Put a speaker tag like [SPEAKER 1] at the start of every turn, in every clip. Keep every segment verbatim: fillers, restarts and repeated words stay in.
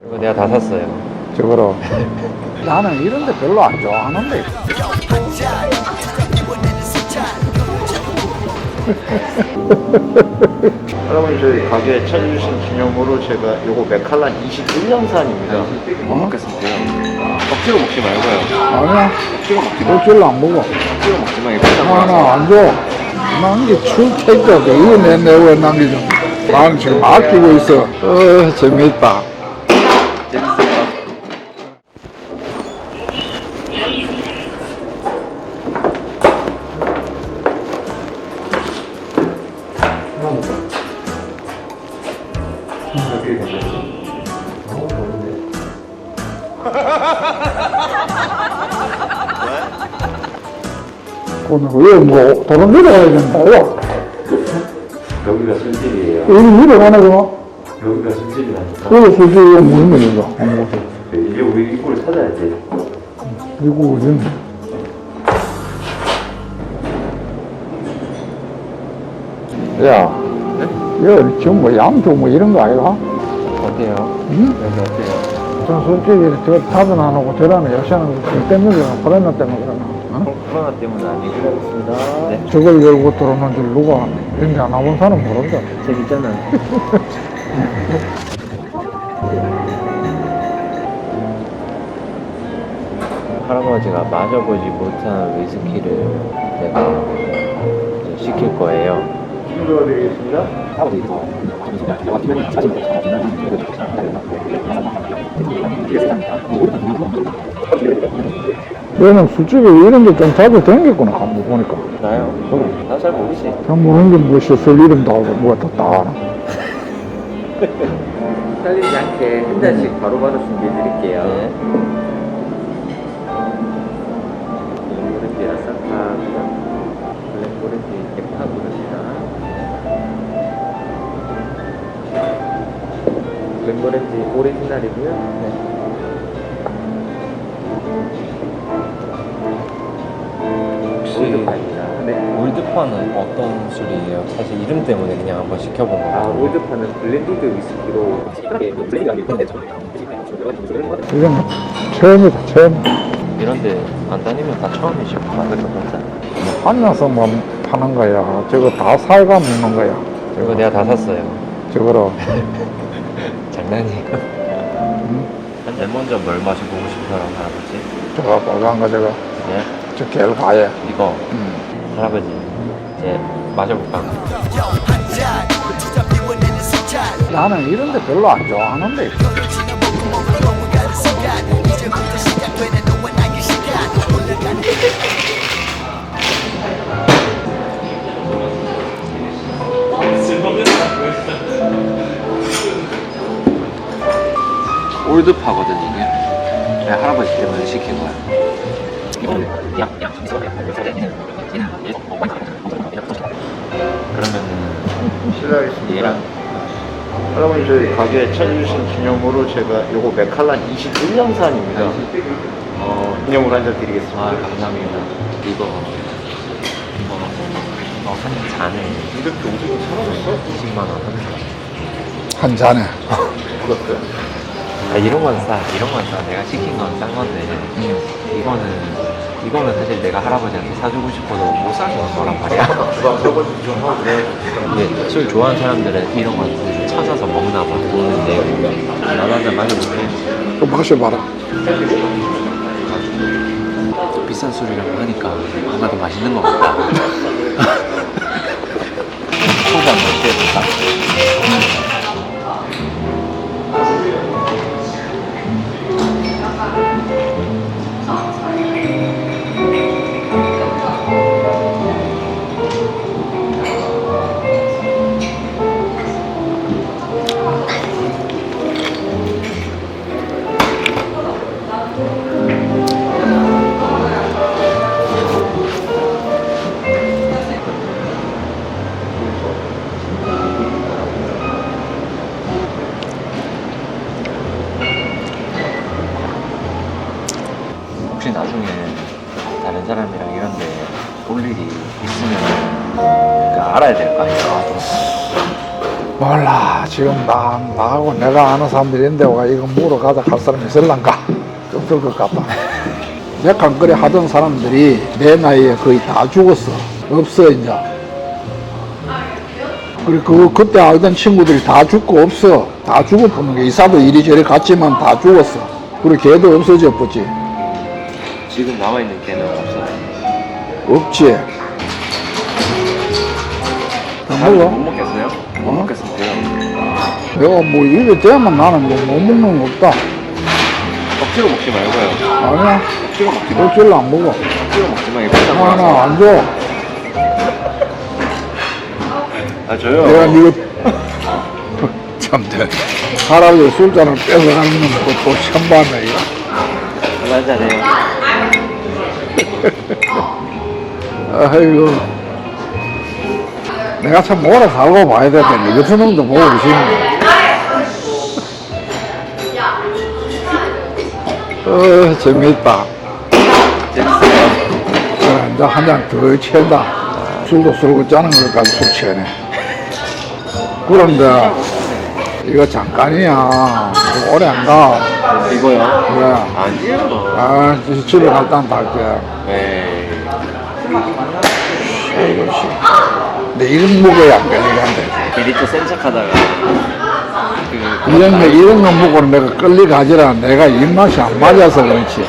[SPEAKER 1] 이거 내가 다 샀어요.
[SPEAKER 2] 저거로. 나는 이런 데 별로 안 좋아하는데.
[SPEAKER 3] 할아버지 저희 가게에 찾아주신 기념으로 제가 요거 맥칼란 이십일 년산입니다.
[SPEAKER 1] 못 먹겠습니다. 억지로 먹지 말고요.
[SPEAKER 2] 아니야.
[SPEAKER 1] 억지로 먹지 마.
[SPEAKER 2] 일주일로 안 먹어.
[SPEAKER 1] 억지로 먹지 마. 이거 비싼
[SPEAKER 2] 아,
[SPEAKER 1] 거라서.
[SPEAKER 2] 나 안 줘. 남기줄 테니까 이거 내 내고 남기죠. 나는 지금 아끼고 있어. 어, 재밌다.
[SPEAKER 1] 재밌어요.
[SPEAKER 2] 오늘 왜 뭐, 도로 내려가야 된다요?
[SPEAKER 3] 여기가 술집이에요.
[SPEAKER 2] 여기 내려가나, 그럼?
[SPEAKER 3] 여기가 술집이라니까.
[SPEAKER 2] 여기 솔직히 이거 무슨 말이야? 안 먹어.
[SPEAKER 3] 이제 우리 입구를 찾아야지.
[SPEAKER 2] 이거 어딘데? 야,
[SPEAKER 1] 네?
[SPEAKER 2] 여기 지금 뭐 양주 뭐 이런 거 아이가?
[SPEAKER 1] 어때요?
[SPEAKER 2] 응?
[SPEAKER 1] 여기 어때요?
[SPEAKER 2] 전 솔직히 저 답은 안 하고 저라는 역시하는 거 때문에 그러나, 코로나 때문에 그러나. 어?
[SPEAKER 1] 코로나 때문은 아니고. 네.
[SPEAKER 2] 저걸 열고 들어오는 줄 누가 이런 게 안 와본 사람 모른다.
[SPEAKER 1] 재밌잖아. 할아버지가 마셔보지 못한 위스키를 내가 이제 시킬 거예요.
[SPEAKER 3] 힘들어드리겠습니다.
[SPEAKER 2] 얘는 술집에 이런 게 좀 자주 댕겼구나, 한번 보니까.
[SPEAKER 1] 나요? 나 잘 모르지.
[SPEAKER 2] 잘 모르는 게 무엇이 술 이름 다 알고 뭐가 다 알아.
[SPEAKER 4] 살리지 않게 한 잔씩 바로바로 준비해 드릴게요.
[SPEAKER 1] 네.
[SPEAKER 4] 블랙오렌지 아사카고요. 블랙오렌지 에파고입니다. 블랙오렌지 오리지널이고요.
[SPEAKER 1] 네.
[SPEAKER 4] 올드파입니다. 네.
[SPEAKER 1] 올드파는 어떤 술이에요? 사실 이름 때문에 그냥 한번 시켜본
[SPEAKER 4] 아,
[SPEAKER 1] 거거든요.
[SPEAKER 4] 올드파는 블렌디드 위스키로
[SPEAKER 2] 이건 처음이다, 처음.
[SPEAKER 1] 이런데 안 다니면 다 처음이시고 만들어 본다.
[SPEAKER 2] 만나서 뭐 파는 거야. 저거 다 사가 먹는 거야.
[SPEAKER 1] 이거 내가 다 샀어요.
[SPEAKER 2] 저거로.
[SPEAKER 1] 장난이에요. 맨 먼저 뭘 마셔보고 싶어요, 할아버지?
[SPEAKER 2] 저거 빨간 거 저거.
[SPEAKER 1] 네?
[SPEAKER 2] 저 갤과에.
[SPEAKER 1] 이거
[SPEAKER 2] 음.
[SPEAKER 1] 할아버지 이제 마셔볼까?
[SPEAKER 2] 나는 이런 데 별로 안 좋아하는데.
[SPEAKER 1] 올드파거든 이게. 내가 할아버지 때문에 시킨 거야. 그러면은
[SPEAKER 3] 실례하겠습니다.
[SPEAKER 1] 얘랑
[SPEAKER 3] 할아버지 저희 가게에 찾아주신 기념으로 제가 요거 맥칼란 이십일 년산입니다. 어, 기념으로 한 잔 드리겠습니다.
[SPEAKER 1] 아 감사합니다. 이거 이거 어, 한 잔에
[SPEAKER 3] 이렇게 오디오 사라졌어?
[SPEAKER 1] 이십만 원 하는 거.
[SPEAKER 2] 한 잔에.
[SPEAKER 3] 그렇고요.
[SPEAKER 1] 아 이런 건 싸, 이런 건 싸. 내가 시킨 건 싼 건데 이거는 이거는 사실 내가 할아버지한테 사주고 싶어도 못 사주는 거란 말이야.
[SPEAKER 3] 주방 설거지 좀 하고 네.
[SPEAKER 1] 근데 술 좋아하는 사람들은 이런 건 찾아서 먹나 봐. 근데 나도 한잔 마셔볼게.
[SPEAKER 2] 또 마셔봐라.
[SPEAKER 1] 비싼 술이라고 하니까 뭔가 더 맛있는 것 같다. 소주 한잔 취해볼까? 혹시 나중에 다른 사람이랑 이런데 볼 일이 있으면 그러니까 알아야 될 거 아니야.
[SPEAKER 2] 몰라. 지금 나, 나하고 내가 아는 사람들이 있는데, 와, 이거 물어 가자 할 사람이 있을란가? 좀 들 것 같다. 맥한 거래 하던 사람들이 내 나이에 거의 다 죽었어. 없어, 이제. 그리고 그, 그때 알던 친구들이 다 죽고 없어. 다 죽어보는 게 이사도 이리저리 갔지만 다 죽었어. 그리고 걔도 없어져 버지.
[SPEAKER 1] 지금 남아있는 개는 없어요.
[SPEAKER 2] 없지. 더
[SPEAKER 1] 못
[SPEAKER 2] 먹어?
[SPEAKER 1] 먹겠어요? 못
[SPEAKER 2] 어?
[SPEAKER 1] 먹겠는데요.
[SPEAKER 2] 내가 뭐 입에 대면 나는 뭐 못 먹는 거 없다.
[SPEAKER 1] 억지로 먹지 말고요.
[SPEAKER 2] 아니야.
[SPEAKER 1] 억지로 먹지 마.
[SPEAKER 2] 어쩔라 안 먹어.
[SPEAKER 1] 억지로 먹지 마. 이거 비싼
[SPEAKER 2] 하나
[SPEAKER 1] 거라서.
[SPEAKER 2] 안 줘.
[SPEAKER 1] 아 저요.
[SPEAKER 2] 내가 니거 참 돼. 할아버지 술잔을 뺏어가는 것도 처음 봤네 이거.
[SPEAKER 1] 이거 한잔해요.
[SPEAKER 2] 아이고. 내가 참 오래 살고 봐야 되는데 이 같은 놈도 보고 계시네. 어 재밌다.
[SPEAKER 1] 재밌어요.
[SPEAKER 2] 그래, 이제 한 잔 더 취한다. 술도 술고 짜는 것까지 술 취하네. 그런데 이거 잠깐이야. 이거 오래 안 가.
[SPEAKER 1] 이거요?
[SPEAKER 2] 그래.
[SPEAKER 1] 아니요.
[SPEAKER 2] 아, 이제 집에 갈 때 다 할게.
[SPEAKER 1] 네.
[SPEAKER 2] 아이고, 씨. 근데 이런 먹어야 안 걸리간대.
[SPEAKER 1] 미리 또 센 척하다가 그
[SPEAKER 2] 이런 거, 이런 거 먹고는 내가 끌리가지라. 내가 입맛이 안 맞아서 그렇지.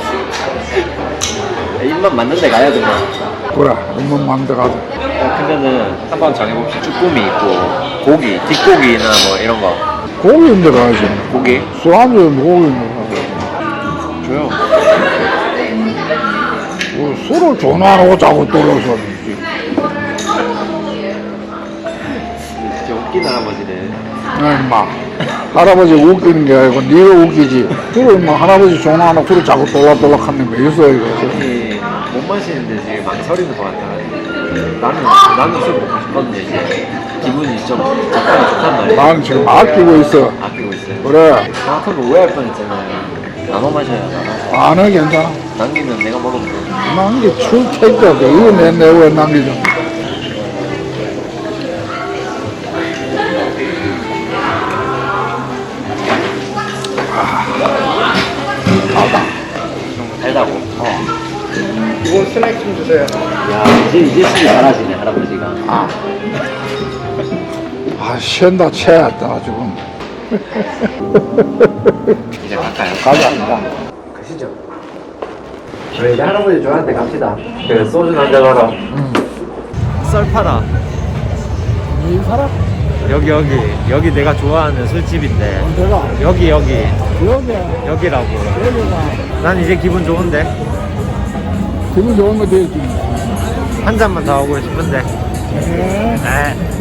[SPEAKER 1] 입만 맞는 데 가야 돼요.
[SPEAKER 2] 그래, 입맛 맞는 데 가자.
[SPEAKER 1] 그러면은 한번 정해봅시다. 쭈꾸미 있고 고기, 뒷고기나 뭐 이런 거.
[SPEAKER 2] 고기 있는 데 가야지.
[SPEAKER 1] 고기?
[SPEAKER 2] 술안주 고기 있는 데
[SPEAKER 1] 줘요.
[SPEAKER 2] 가야지. 뭐 술을 전화하고 자꾸 떨어서.
[SPEAKER 1] 진짜 웃긴 할아버지네.
[SPEAKER 2] 야, 임마. 할아버지 웃기는 게 아니고 네가 웃기지. 술을 뭐 할아버지 전화하고 술을 자꾸 돌락돌락 하는 거 있어, 이거.
[SPEAKER 1] 아니 못 마시는데 지금 망설이는 것 같아. 나는 나는 술 먹고 싶거든요. 이제 기분이 좀 약간 좋단 말이에요.
[SPEAKER 2] 나는 지금 아끼고 있어.
[SPEAKER 1] 아끼고 있어요.
[SPEAKER 2] 그래.
[SPEAKER 1] 정확하게 오해할 뻔했잖아요. 나눠 마셔요. 나눠.
[SPEAKER 2] 안 해, 괜찮아.
[SPEAKER 1] 남기면 내가 먹으면 돼.
[SPEAKER 2] 남기 출퇴가 이거 내 내왜 남기죠?
[SPEAKER 1] 달다고.
[SPEAKER 2] 어.
[SPEAKER 3] 이건 스낵 좀 주세요.
[SPEAKER 1] 야 이제 이제 술이 잘하시네 할아버지가.
[SPEAKER 2] 아. 아, 쉬다 체했다, 지금.
[SPEAKER 1] 이제 갈까요?
[SPEAKER 2] 가자.
[SPEAKER 1] 가시죠. 저희 이제 할아버지 저한테 갑시다. 그 소주 한잔 하러.
[SPEAKER 2] 응.
[SPEAKER 1] 썰 팔아.
[SPEAKER 2] 이 사람?
[SPEAKER 1] 여기 여기 여기 내가 좋아하는 술집인데
[SPEAKER 2] 내가
[SPEAKER 1] 여기 여기
[SPEAKER 2] 여기,
[SPEAKER 1] 여기라고.
[SPEAKER 2] 여기가
[SPEAKER 1] 난 이제 기분 좋은데
[SPEAKER 2] 기분 좋은 거 되지.
[SPEAKER 1] 한 잔만 더 하고 싶은데.
[SPEAKER 2] 네.
[SPEAKER 1] 네.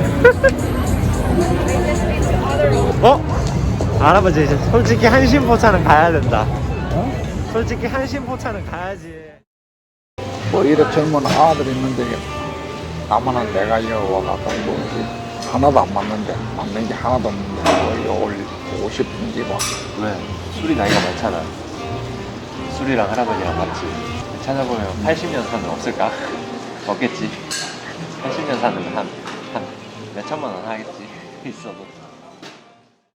[SPEAKER 1] 어? 할아버지 이제 솔직히 한신포차는 가야 된다.
[SPEAKER 2] 어?
[SPEAKER 1] 솔직히 한신포차는 가야지.
[SPEAKER 2] 뭐 이래 젊은 아들 있는데 나만은 내가 이거 와갖고 뭐 하나도 안 맞는데 맞는 게 하나도 없는데 뭐 이거 올리고 싶은지 뭐.
[SPEAKER 1] 왜? 술이 나이가 많잖아. 술이랑 할아버지랑 맞지. 찾아보면 팔십 년 사는 없을까? 없겠지. 팔십 년 사는 한, 한 몇천만 원 하겠지. 있어도.